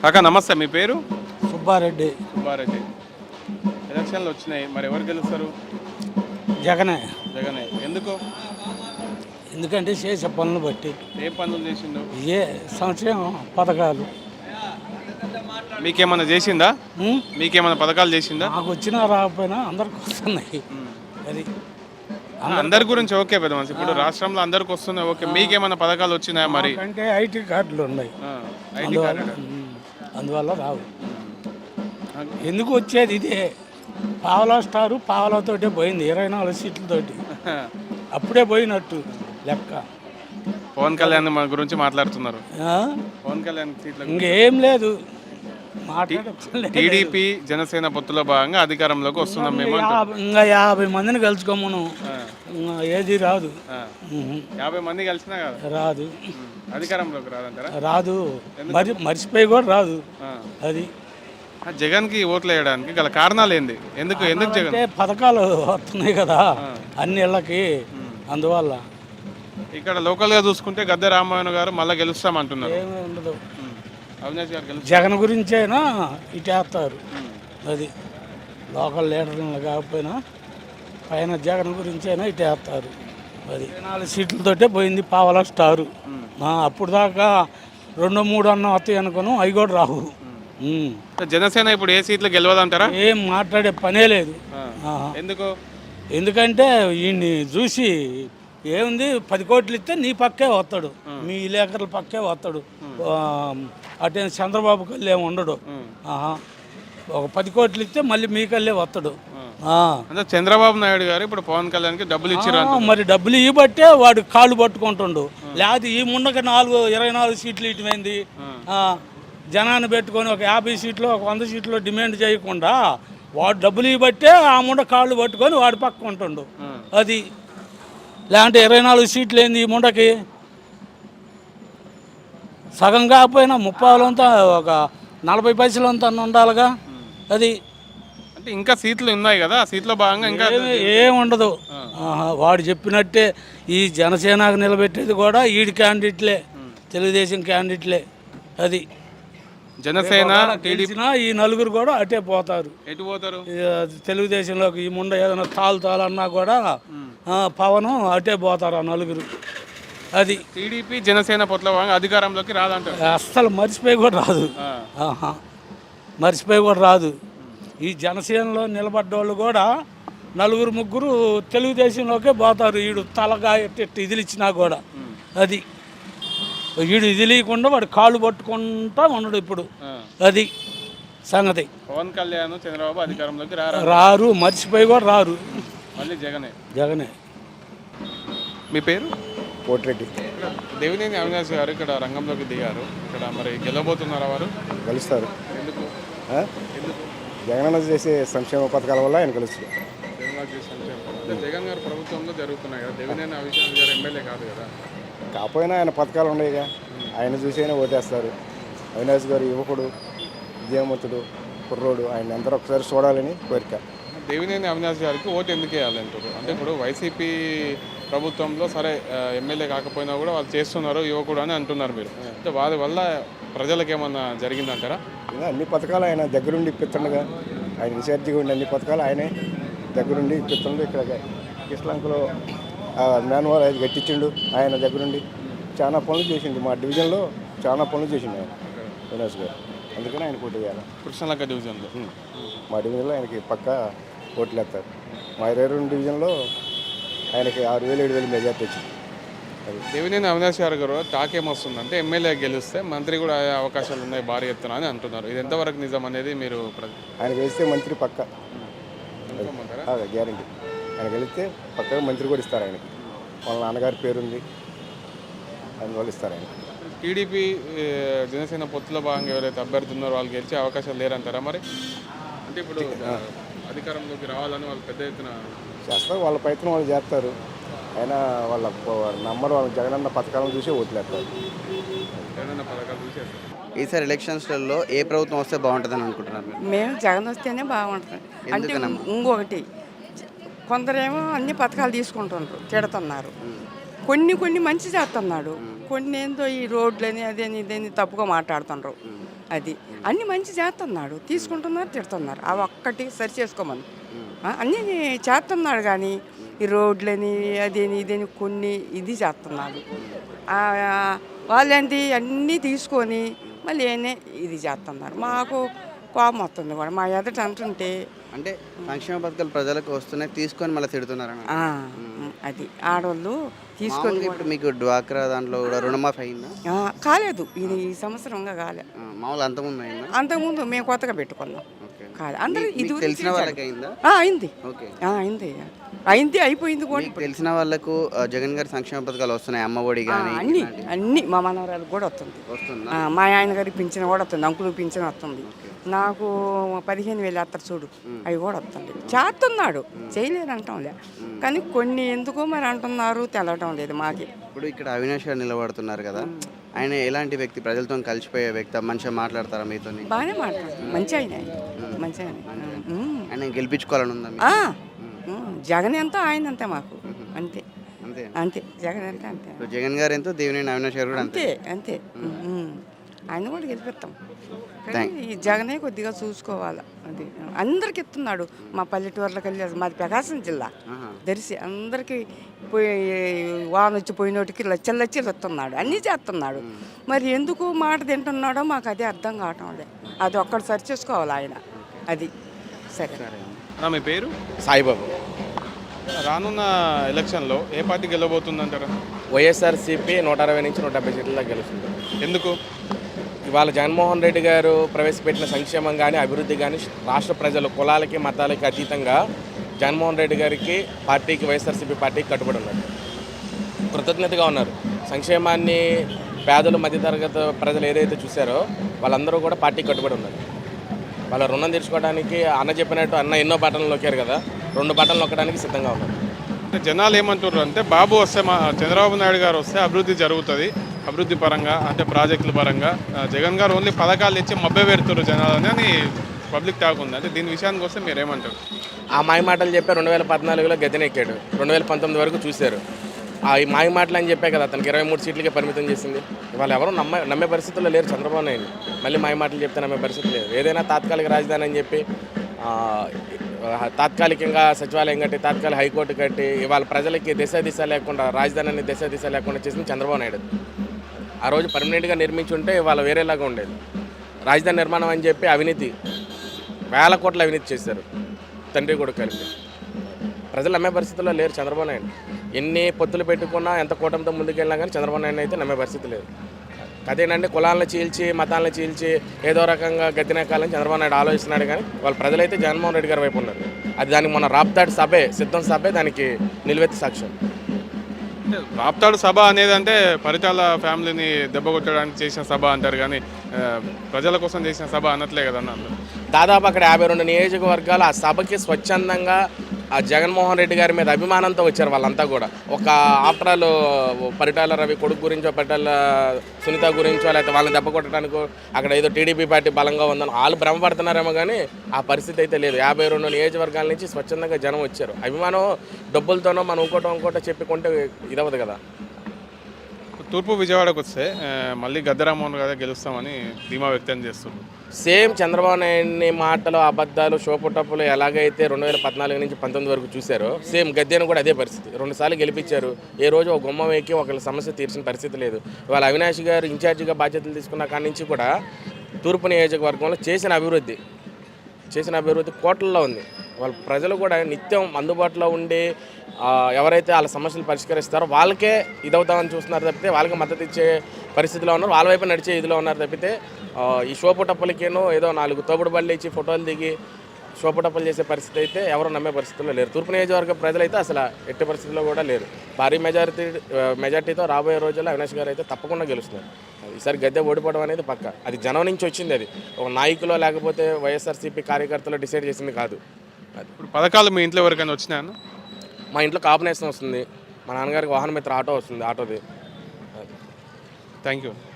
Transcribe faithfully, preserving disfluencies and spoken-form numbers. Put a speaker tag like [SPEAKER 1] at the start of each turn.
[SPEAKER 1] కాకా నమస్తే, మీ పేరు?
[SPEAKER 2] సుబ్బారెడ్డి.
[SPEAKER 1] సుబ్బారెడ్డి. ఎలక్షన్లు వచ్చినాయి, మరి ఎవరు గెలుస్తారు?
[SPEAKER 2] జగనే.
[SPEAKER 1] జగనే. ఎందుకు?
[SPEAKER 2] ఎందుకంటే చేసే పనులు బట్టి.
[SPEAKER 1] ఏ పనులు చేసిండు?
[SPEAKER 2] ఏ సంక్షేమ పథకాలు.
[SPEAKER 1] మీకేమన్నా చేసిందా?
[SPEAKER 2] ఉం?
[SPEAKER 1] మీకేమన్నా పథకాలు చేసిందా?
[SPEAKER 2] నాకు వచ్చినా రాకపోయినా అందరికి వస్తున్నాయి. అది
[SPEAKER 1] ఆ, అందరి గురించి ఓకే పెద్ద మనిషి. ఇప్పుడు రాష్ట్రంలో అందరికి వస్తున్నాయి ఓకే, మీకేమన్నా పథకాలు వచ్చినాయా మరి?
[SPEAKER 2] అంటే ఐటీ కార్డులు ఉన్నాయి,
[SPEAKER 1] ఆ, ఐటీ
[SPEAKER 2] అందువల్ల
[SPEAKER 1] కార్డు.
[SPEAKER 2] ఉం. అందువల్ల రావు. ఎందుకు వచ్చేది ఇదే పావలా స్టారు పావలాతోటే పోయింది, ఇరవై నాలుగు సీట్లతోటి అప్పుడే పోయినట్టు లెక్క.
[SPEAKER 1] పవన్ కళ్యాణ్ మన గురించి మాట్లాడుతున్నారు.
[SPEAKER 2] ఆ?
[SPEAKER 1] పవన్ కళ్యాణ్ సీట్ల
[SPEAKER 2] ఇంకేం లేదు, మాట్లాడే
[SPEAKER 1] టీడీపీ జనసేన పొత్తులో భాగంగా అధికారంలోకి వస్తున్నాం మేము అంటున్నాం.
[SPEAKER 2] యాభై- ఇంకా యాభై మందిని కలుసుకోమను,
[SPEAKER 1] ఆ,
[SPEAKER 2] ఇంకా ఏది రాదు.
[SPEAKER 1] ఆ.
[SPEAKER 2] ఉహు.
[SPEAKER 1] యాభై మంది కలిసినా కదా
[SPEAKER 2] రాదు,
[SPEAKER 1] అధికారంలోకి రాదంటారా?
[SPEAKER 2] రాదు. మరి మర్చిపోయి కూడా రాదు.
[SPEAKER 1] ఆ.
[SPEAKER 2] అది
[SPEAKER 1] ఆ, జగన్కి ఓట్లు వేయడానికి గల కారణాలు ఏంది? ఎందుకు ఎందుకు జగన్?
[SPEAKER 2] అంటే పథకాలు వస్తున్నాయి కదా అన్ని ఇళ్ళకి, అందువల్ల.
[SPEAKER 1] ఇక్కడ లోకల్గా చూసుకుంటే గద్దె రామ్మోహన్ గారు మళ్ళీ గెలుస్తామంటున్నారు.
[SPEAKER 2] ఏమీ ఉండదు.
[SPEAKER 1] ఉమ్. అవినాష్ గారు గెలుస్తారు.
[SPEAKER 2] జగన్ గురించైనా ఇటేస్తారు. అది లోకల్ లీడర్లు కాకపోయినా పైన జగన్ గురించైనా ఇటేస్తారు. అది నాలుగు సీట్లతోటే పోయింది పావలా స్టారు. ఆ, అప్పుడు దాకా రెండు మూడు అన్న వస్తాయి అనుకోను, అవి కూడా రావు. ఉమ్.
[SPEAKER 1] జనసేన ఇప్పుడు ఏ సీట్లు గెలవదంటారా?
[SPEAKER 2] ఏం మాట్లాడే పనే లేదు.
[SPEAKER 1] ఆ. ఎందుకు?
[SPEAKER 2] ఎందుకంటే ఈయన్ని చూసి ఏముంది, పది కోట్లు ఇస్తే నీ పక్కే వస్తాడు, మీ విలేకరుల పక్కే వస్తాడు. అటే చంద్రబాబు కల్లే ఉండడు. ఆహా. ఒక పది కోట్లు ఇస్తే మళ్ళీ మీ కల్లే వస్తాడు. ఆ.
[SPEAKER 1] అంటే చంద్రబాబు నాయుడు గారు ఇప్పుడు పవన్ కళ్యాణ్కి డబ్బులు ఇచ్చారు.
[SPEAKER 2] ఆ, మరి డబ్బులు ఇవ్వబట్టే వాడు కాళ్ళు పట్టుకుంటుండు. లేకపోతే ఈ ముండకి నాలుగు ఇరవై నాలుగు సీట్లు ఇటువైంది. జనాన్ని పెట్టుకొని ఒక యాభై సీట్లు ఒక వంద సీట్లు డిమాండ్ చేయకుండా వాడు డబ్బులు ఇవ్వబట్టే ఆ ముండ కాళ్ళు పట్టుకొని వాడు పక్క ఉంటుండు. అది లేదంటే ఇరవై నాలుగు సీట్లు ఏంది ఈ ముండకి? సగం కాకపోయినా ముప్పావులంతా ఒక నలభై పైసలంతా ఉండాలిగా. అది
[SPEAKER 1] అంటే ఇంకా సీట్లు ఉన్నాయి కదా, ఆ సీట్లో భాగంగా ఇంకా
[SPEAKER 2] ఏమి ఏముండదు. ఆహా, వాడు చెప్పినట్టే ఈ జనసేనకు నిలబెట్టేది కూడా ఈడి క్యాండిడేట్లే, తెలుగుదేశం క్యాండిడేట్లే. అది
[SPEAKER 1] జనసేన
[SPEAKER 2] తెలిసినా ఈ నలుగురు కూడా అటే పోతారు.
[SPEAKER 1] ఎటు పోతారు?
[SPEAKER 2] తెలుగుదేశంలోకి ఈ ముండ ఏదైనా తాలు తాలు అన్నా కూడా పవన్ అటే పోతారు ఆ నలుగురు. అది
[SPEAKER 1] టీడీపీ జనసేన పొత్తులో భాగంగా అధికారంలోకి రాదంటారు.
[SPEAKER 2] అస్సలు మర్చిపోయి కూడా రాదు. ఆహా, మర్చిపోయి కూడా రాదు. ఈ జనసేనలో నిలబడ్డోళ్ళు కూడా నలుగురు ముగ్గురు తెలుగుదేశంలోకే పోతారు. ఈడు తలగా ఎట్టి ఇదిలిచ్చినా కూడా. అది వీడు ఇదిలీయకుండా వాడు కాళ్ళు పట్టుకుంటా ఉన్నాడు ఇప్పుడు. అది సంగతి.
[SPEAKER 1] పవన్ కళ్యాణ్ చంద్రబాబు అధికారంలోకి రారు
[SPEAKER 2] రారు మర్చిపోయి కూడా రారు.
[SPEAKER 1] మళ్ళీ జగనే.
[SPEAKER 2] జగనే.
[SPEAKER 1] మీ పేరు?
[SPEAKER 3] కోటిరెడ్డి.
[SPEAKER 1] దేవినేని అవినాష్ గారు ఇక్కడ రంగంలోకి దిగారు. ఇక్కడ మరి గెలవబోతున్నారా వారు?
[SPEAKER 3] గెలుస్తారు.
[SPEAKER 1] ఎందుకు? ఎందుకు?
[SPEAKER 3] జగనన్న చేసే సంక్షేమ పథకాల వల్ల ఆయన గెలుస్తారు.
[SPEAKER 1] జగన్ చేసే సంక్షేమ అంటే జగన్ గారు ప్రభుత్వంలో జరుగుతున్నాయి కదా, దేవినేని అవినాష్ గారు ఎమ్మెల్యే కాదు కదా.
[SPEAKER 3] కాకపోయినా ఆయన పథకాలు ఉన్నాయిగా, ఆయన చూసి అయినా ఓటేస్తారు. అవినాష్ గారు యువకుడు, విద్యావంతుడు, కుర్రోడు, ఆయన అందరూ ఒకసారి చూడాలని కోరిక.
[SPEAKER 1] దేవినేని అవినాష్ గారికి ఓటు ఎందుకు వేయాలంటారు? అంటే ఇప్పుడు వైసీపీ ప్రభుత్వంలో సరే ఎమ్మెల్యే కాకపోయినా కూడా వాళ్ళు చేస్తున్నారు యువకుడు అని అంటున్నారు మీరు. అంటే వారి వల్ల ప్రజలకు ఏమన్నా జరిగిందంటారా?
[SPEAKER 3] ఇంకా అన్ని పథకాలు ఆయన దగ్గరుండి ఇప్పిస్తుండగా, ఆయన ఇన్ఛార్జిగా ఉండి అన్ని పథకాలు ఆయనే దగ్గరుండి ఇప్పిస్తుండే. ఇక్కడ కిష్లంకలో మ్యాన్వాల్ అది కట్టించిండు ఆయన దగ్గరుండి. చాలా పనులు చేసిండు, మా డివిజన్లో చాలా పనులు చేసిండు ఆయన అవినాష్ గారు. అందుకని ఆయన పోటీ చేయాలి.
[SPEAKER 1] కృష్ణలంక డివిజన్లో
[SPEAKER 3] మా డివిజన్లో ఆయనకి పక్కా ఓట్లు వేస్తారు. మా ఇరవై రెండు డివిజన్లో ఆయనకి ఆరు వేలు ఏడు వేలు మెజార్టీ వచ్చింది.
[SPEAKER 1] దేవినేని అవినాష్ గారు గారు టాక్ ఏమొస్తుంది అంటే ఎమ్మెల్యే గెలిస్తే మంత్రి కూడా అయ్యే అవకాశాలు ఉన్నాయి భారీ ఎత్తున అని అంటున్నారు. ఇది ఎంతవరకు నిజం అనేది మీరు?
[SPEAKER 3] ఆయన గెలిస్తే మంత్రి పక్క గ్యారంటీ. ఆయన గెలిస్తే పక్కగా మంత్రి కూడా ఇస్తారు ఆయనకి. వాళ్ళ నాన్నగారి పేరుంది, అందువల్ల ఇస్తారు ఆయన.
[SPEAKER 1] టీడీపీ జనసేన పొత్తులో భాగంగా ఎవరైతే అభ్యర్థి ఉన్నారో వాళ్ళు గెలిచే అవకాశాలు లేరంటారా మరి? అంటే ఇప్పుడు అధికారంలోకి రావాలని వాళ్ళు పెద్ద ఎత్తున
[SPEAKER 3] చేస్తారు, వాళ్ళ ప్రయత్నం వాళ్ళు చేస్తారు. అయినా వాళ్ళ నమ్మరు, వాళ్ళ జగనన్న పథకాలను చూసి ఓట్లేస్తారు.
[SPEAKER 1] జగనన్న పథకాలు చూసి
[SPEAKER 4] ఈసారి ఎలక్షన్స్లలో ఏ ప్రభుత్వం వస్తే బాగుంటుందని అనుకుంటున్నారు?
[SPEAKER 5] మేము జగన్ వస్తేనే బాగుంటుంది. అంటే ఇంకొకటి, కొందరేమో అన్ని పథకాలు తీసుకుంటున్నారు, తిడుతున్నారు. కొన్ని కొన్ని మంచి చేస్తున్నాడు, కొన్ని ఏందో ఈ రోడ్లని అదేని ఇదేని తప్పుగా మాట్లాడుతున్నారు. అది అన్ని మంచి చేస్తున్నాడు, తీసుకుంటున్నారు, తిడుతున్నారు. అవి ఒక్కటి సరి చేసుకోమని ఆ, అన్నీ చేస్తున్నాడు. కానీ ఈ రోడ్లని అదేని ఇదేని కొన్ని ఇది చేస్తున్నాడు. ఆ, వాళ్ళేంటి అన్నీ తీసుకొని మళ్ళీ ఏనే ఇది చేస్తున్నారు. మాకు కోపం వస్తుంది కూడా మా ఎదుట అంటుంటే.
[SPEAKER 4] అంటే సంక్షేమ పథకాలు ప్రజలకు వస్తున్నాయి తీసుకొని మళ్ళీ తిడుతున్నారని.
[SPEAKER 5] ఆ, అది ఆడవాళ్ళు తీసుకొని
[SPEAKER 4] మామూలుగా ఇప్పుడు మీకు డ్వాక్రా దాంట్లో కూడా రుణమాఫీ అయిందా?
[SPEAKER 5] ఆ, కాలేదు. ఇది ఈ సంవత్సరంగా కాలే.
[SPEAKER 4] ఆ, మామూలు అంతకుముందు అయిందా?
[SPEAKER 5] అంతకుముందు మేము కొత్తగా పెట్టుకున్నాం.
[SPEAKER 4] ఓకే.
[SPEAKER 5] కాదు అందరూ
[SPEAKER 4] మీకు
[SPEAKER 5] ఇది
[SPEAKER 4] తెలిసిన వాళ్ళకి అయిందా?
[SPEAKER 5] ఆ, అయింది.
[SPEAKER 4] ఓకే.
[SPEAKER 5] ఆ, అయింది అయింది అయిపోయింది కూడా.
[SPEAKER 4] మీకు తెలిసిన వాళ్ళకు ఆ, జగన్ గారి సంక్షేమ పథకాలు వస్తున్నాయి, అమ్మ ఒడి
[SPEAKER 5] ఆ,
[SPEAKER 4] కానీ
[SPEAKER 5] అన్ని అన్ని మా మనవరాలకు కూడా వస్తుంది.
[SPEAKER 4] వస్తుందా?
[SPEAKER 5] ఆ, మా ఆయన గారికి పింఛన్ కూడా వస్తుంది, అంకులు పింఛన్ వస్తుంది. నాకు పదిహేను వేలు వేస్తారు చూడు, అవి కూడా వస్తుంది. చేస్తున్నాడు, చేయలేదు అంటాంలే. కానీ కొన్ని ఎందుకో మరి అంటున్నారు, తెలవటం లేదు మాకి.
[SPEAKER 4] ఇప్పుడు ఇక్కడ అవినాష్ గారు నిలబడుతున్నారు కదా, ఆయన ఎలాంటి వ్యక్తి? ప్రజలతో కలిసిపోయే వ్యక్తి, మంచిగా మాట్లాడతారా మీతో?
[SPEAKER 5] బాగానే మాట్లాడు, మంచి ఆయన మంచి ఆయన. ఉమ్.
[SPEAKER 4] ఆయన గెలిపించుకోవాలని ఉందా మీకు?
[SPEAKER 5] ఆ, ఉమ్, జగన్ ఎంతో ఆయన అంతే మాకు, అంతే
[SPEAKER 4] అంతే.
[SPEAKER 5] అంతే జగన్ అంటే అంతే
[SPEAKER 4] సో జగన్ గారు ఎంతో దేవినేని అవినాష్ గారు కూడా అంతే.
[SPEAKER 5] అంతే అంతే ఉమ్. ఆయన కూడా గెలిపిస్తాం. కానీ ఈ జగనే కొద్దిగా చూసుకోవాలి. అది అందరికి ఇస్తున్నాడు. మా పల్లెటూర్లకు వెళ్ళి మాది ప్రకాశం జిల్లా దర్శి అందరికీ పోయి వాన వచ్చి పోయినోటికి లచ్చలు లచ్చలు ఇస్తున్నాడు, అన్నీ చేస్తున్నాడు. మరి ఎందుకు మాట తింటున్నాడో మాకు అదే అర్థం కావటం లేదు. అది ఒక్కటి సరి చేసుకోవాలి ఆయన. అది సరే.
[SPEAKER 1] అన్న, మీ పేరు?
[SPEAKER 6] సాయిబాబు.
[SPEAKER 1] రానున్న ఎలక్షన్లో ఏ పార్టీ గెలవబోతుందంటారా?
[SPEAKER 6] వైఎస్ఆర్సీపీ నూట అరవై నుంచి నూట డెబ్బై సీట్ల గెలుస్తుంది.
[SPEAKER 1] ఎందుకు?
[SPEAKER 6] ఇవాళ జగన్మోహన్ రెడ్డి గారు ప్రవేశపెట్టిన సంక్షేమం కానీ అభివృద్ధి కానీ రాష్ట్ర ప్రజలు కులాలకి మతాలకి అతీతంగా జగన్మోహన్ రెడ్డి గారికి పార్టీకి వైఎస్ఆర్సీపీ పార్టీకి కట్టుబడి ఉన్నారు, కృతజ్ఞతగా ఉన్నారు. సంక్షేమాన్ని పేదలు మధ్యతరగతి ప్రజలు ఏదైతే చూశారో వాళ్ళందరూ కూడా పార్టీకి కట్టుబడి ఉన్నారు. వాళ్ళ రుణం తీర్చుకోవడానికి అన్న చెప్పినట్టు అన్న ఎన్నో బటన్లు నొక్కారు కదా, రెండు బటన్లు నొక్కడానికి సిద్ధంగా ఉన్నారు.
[SPEAKER 1] అంటే జనాలు ఏమంటున్నారు అంటే బాబు వస్తే మా చంద్రబాబు నాయుడు గారు వస్తే అభివృద్ధి జరుగుతుంది, అభివృద్ధి పరంగా అంటే ప్రాజెక్టుల పరంగా. ఆ, జగన్ గారు ఓన్లీ పథకాలు ఇచ్చి మభ్య పెడుతున్నారు జనాలని అని పబ్లిక్ టాక్ ఉంది. అంటే దీని విషయానికి వస్తే మీరు ఏమంటారు?
[SPEAKER 6] ఆ మాయ మాటలు చెప్పి రెండు వేల పద్నాలుగులో గద్దెనెక్కాడు, రెండు వేల పంతొమ్మిది వరకు చూశారు. ఆ ఈ మాయ మాటలు అని చెప్పే కదా అతనికి ఇరవై మూడు సీట్లకే పరిమితం చేసింది. ఇవాళ ఎవరు నమ్మే నమ్మే పరిస్థితుల్లో లేరు చంద్రబాబు నాయుడు. మళ్ళీ మాయ మాటలు చెప్తే నమ్మే పరిస్థితి లేదు. ఏదైనా తాత్కాలిక రాజధాని అని చెప్పి తాత్కాలికంగా సచివాలయం కట్టి తాత్కాలిక హైకోర్టు కట్టి ఇవాళ ప్రజలకి దిశ దిశ లేకుండా రాజధానిని దిశ దిశ లేకుండా చేసింది చంద్రబాబు నాయుడు. ఆ రోజు పర్మనెంట్గా నిర్మించి ఉంటే ఇవాళ వేరేలాగా ఉండేది. రాజధాని నిర్మాణం అని చెప్పి అవినీతి వేల కోట్ల అవినీతి చేశారు తండ్రి కొడుకు కలిపి. ప్రజలు నమ్మే పరిస్థితుల్లో లేరు చంద్రబాబు నాయుడు. ఎన్ని పొత్తులు పెట్టుకున్నా ఎంత కూటమితో ముందుకెళ్ళినా కానీ చంద్రబాబు నాయుడు అయితే నమ్మే పరిస్థితి లేదు. అదేనండి కులాలను చీల్చి మతాలను చీల్చి ఏదో రకంగా గద్దెనెక్కాలని చంద్రబాబు నాయుడు ఆలోచిస్తున్నాడు. కానీ వాళ్ళ ప్రజలైతే జగన్మోహన్ రెడ్డి గారి వైపు ఉన్నారు. అది దానికి మన రాప్తాడు సభే సిద్ధం సభే దానికి నిలువెత్తి సాక్ష్యం.
[SPEAKER 1] రాప్తాడు సభ అనేది అంటే పరిటాల ఫ్యామిలీని దెబ్బ కొట్టడానికి చేసిన సభ అంటారు, కానీ ప్రజల కోసం చేసిన సభ అనట్లే కదన్న అందరూ.
[SPEAKER 6] దాదాపు అక్కడ యాభై రెండు నియోజకవర్గాలు ఆ సభకి స్వచ్ఛందంగా ఆ జగన్మోహన్ రెడ్డి గారి మీద అభిమానంతో వచ్చారు వాళ్ళంతా కూడా. ఒక ఆఫ్టర్ ఆల్ పరిటాల రవి కొడుకు గురించో పరిటాల సునీత గురించో లేకపోతే వాళ్ళని దెబ్బ కొట్టడానికో అక్కడ ఏదో టీడీపీ పార్టీ బలంగా ఉందని వాళ్ళు భ్రమపడుతున్నారేమో కానీ ఆ పరిస్థితి అయితే లేదు. యాభై రెండు నియోజకవర్గాల నుంచి స్వచ్ఛందంగా జనం వచ్చారు. అభిమానం డబ్బులతోనో మనం ఇంకోటో ఇంకోటో చెప్పుకుంటే ఇదవదు కదా.
[SPEAKER 1] తూర్పు విజయవాడకు వస్తే మళ్ళీ గద్దెరామోహన్ గారే గెలుస్తామని ధీమా వ్యక్తం చేస్తున్నారు.
[SPEAKER 6] సేమ్ చంద్రబాబు నాయుడిని మాటలు అబద్ధాలు షోపుటప్పులు ఎలాగైతే రెండు వేల పద్నాలుగు నుంచి పంతొమ్మిది వరకు చూశారో సేమ్ గద్దెను కూడా అదే పరిస్థితి. రెండుసార్లు గెలిపించారు, ఏ రోజు ఒక గుమ్మం ఎక్కి ఒకళ్ళ సమస్య తీర్చిన పరిస్థితి లేదు. ఇవాళ అవినాష్ గారు ఇన్ఛార్జిగా బాధ్యతలు తీసుకున్న కాడి నుంచి కూడా తూర్పు నియోజకవర్గంలో చేసిన అభివృద్ధి చేసిన అభివృద్ధి కోట్లలో ఉంది. వాళ్ళ ప్రజలు కూడా నిత్యం అందుబాటులో ఉండి ఎవరైతే వాళ్ళ సమస్యలు పరిష్కరిస్తారో వాళ్ళకే ఇదవుతామని చూస్తున్నారు తప్పితే వాళ్ళకి మద్దతు ఇచ్చే పరిస్థితిలో ఉన్నారు, వాళ్ళ వైపు నడిచే ఇదిలో ఉన్నారు తప్పితే ఈ షోపుటప్పులకేనో ఏదో నాలుగు తోపుడు బళ్ళు ఇచ్చి ఫోటోలు దిగి షోపుటప్పులు చేసే పరిస్థితి అయితే ఎవరు నమ్మే పరిస్థితుల్లో లేరు. తూర్పు నియోజకవర్గ ప్రజలైతే అసలు ఎట్టి పరిస్థితుల్లో కూడా లేరు. భారీ మెజారిటీ మెజార్టీతో రాబోయే రోజుల్లో అవినాష్ గారు అయితే తప్పకుండా గెలుస్తున్నారు. ఈసారి గద్దె ఓడిపోవడం అనేది పక్క. అది జనం నుంచి వచ్చింది, అది ఒక నాయకులో లేకపోతే వైఎస్ఆర్సీపీ కార్యకర్తలు డిసైడ్ చేసింది కాదు. అది
[SPEAKER 1] ఇప్పుడు పథకాలు మీ ఇంట్లో ఎవరికైనా వచ్చినాయన్న?
[SPEAKER 6] మా ఇంట్లో కాంబినేషన్ వస్తుంది, మా నాన్నగారికి వాహన మిత్ర ఆటో వస్తుంది, ఆటోది.
[SPEAKER 1] Thank you.